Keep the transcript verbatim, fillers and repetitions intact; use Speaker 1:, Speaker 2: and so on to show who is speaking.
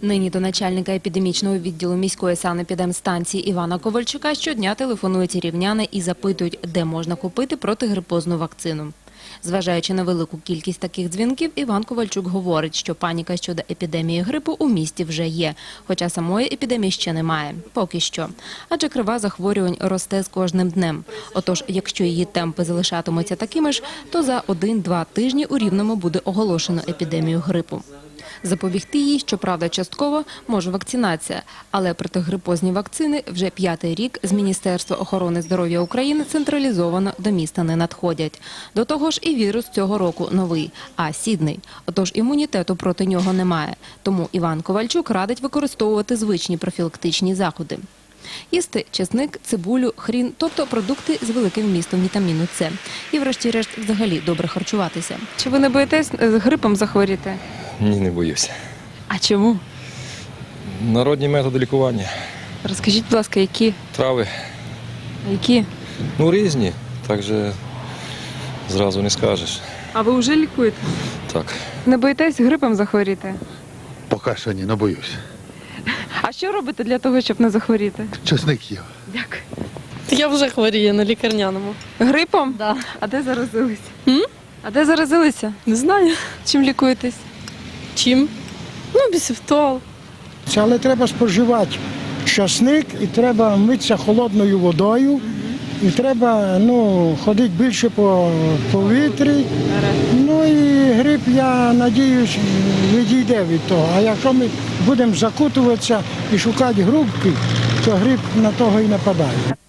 Speaker 1: Нині до начальника епідемічного відділу міської санепідемстанції Івана Ковальчука щодня телефонують рівняни і запитують, де можна купити протигрипозну вакцину. Зважаючи на велику кількість таких дзвінків, Іван Ковальчук говорить, що паніка щодо епідемії грипу у місті вже є, хоча самої епідемії ще немає. Поки що. Адже крива захворювань росте з кожним днем. Отож, якщо її темпи залишатимуться такими ж, то за один-два тижні у Рівному буде оголошено епідемію грипу. Запобігти їй, щоправда, частково може вакцинація, але протигрипозні вакцини вже п'ятий рік з Міністерства охорони здоров'я України централізовано до міста не надходять. До того ж і вірус цього року новий, а сідний. Отож імунітету проти нього немає. Тому Іван Ковальчук радить використовувати звичні профілактичні заходи. Їсти чесник, цибулю, хрін, тобто продукти з великим вмістом вітаміну С. І врешті-решт взагалі добре харчуватися.
Speaker 2: Чи ви не боїтесь грипом захворіти?
Speaker 3: Ні, не боюся.
Speaker 2: А чому?
Speaker 3: Народні методи лікування.
Speaker 2: Розкажіть, будь ласка, які?
Speaker 3: Трави.
Speaker 2: Які?
Speaker 3: Ну, різні. Так же зразу не скажеш.
Speaker 2: А ви вже лікуєте?
Speaker 3: Так.
Speaker 2: Не боїтесь грипом захворіти?
Speaker 4: Поки що ні, не боюсь.
Speaker 2: А що робите для того, щоб не захворіти?
Speaker 4: Чесник їв.
Speaker 2: Дякую.
Speaker 5: Я вже хворію на лікарняному.
Speaker 2: Грипом?
Speaker 5: Да.
Speaker 2: А де заразилися?
Speaker 5: М?
Speaker 2: А де заразилися?
Speaker 5: Не знаю.
Speaker 2: Чим лікуєтесь?
Speaker 5: Чим? Ну, бісифтол.
Speaker 6: Це, але треба споживати часник і треба митися холодною водою. І треба ну, ходити більше по повітрі. Ну і грип, я надіюсь, відійде від того. А якщо ми будемо закутуватися і шукати грубки, то грип на того і нападає.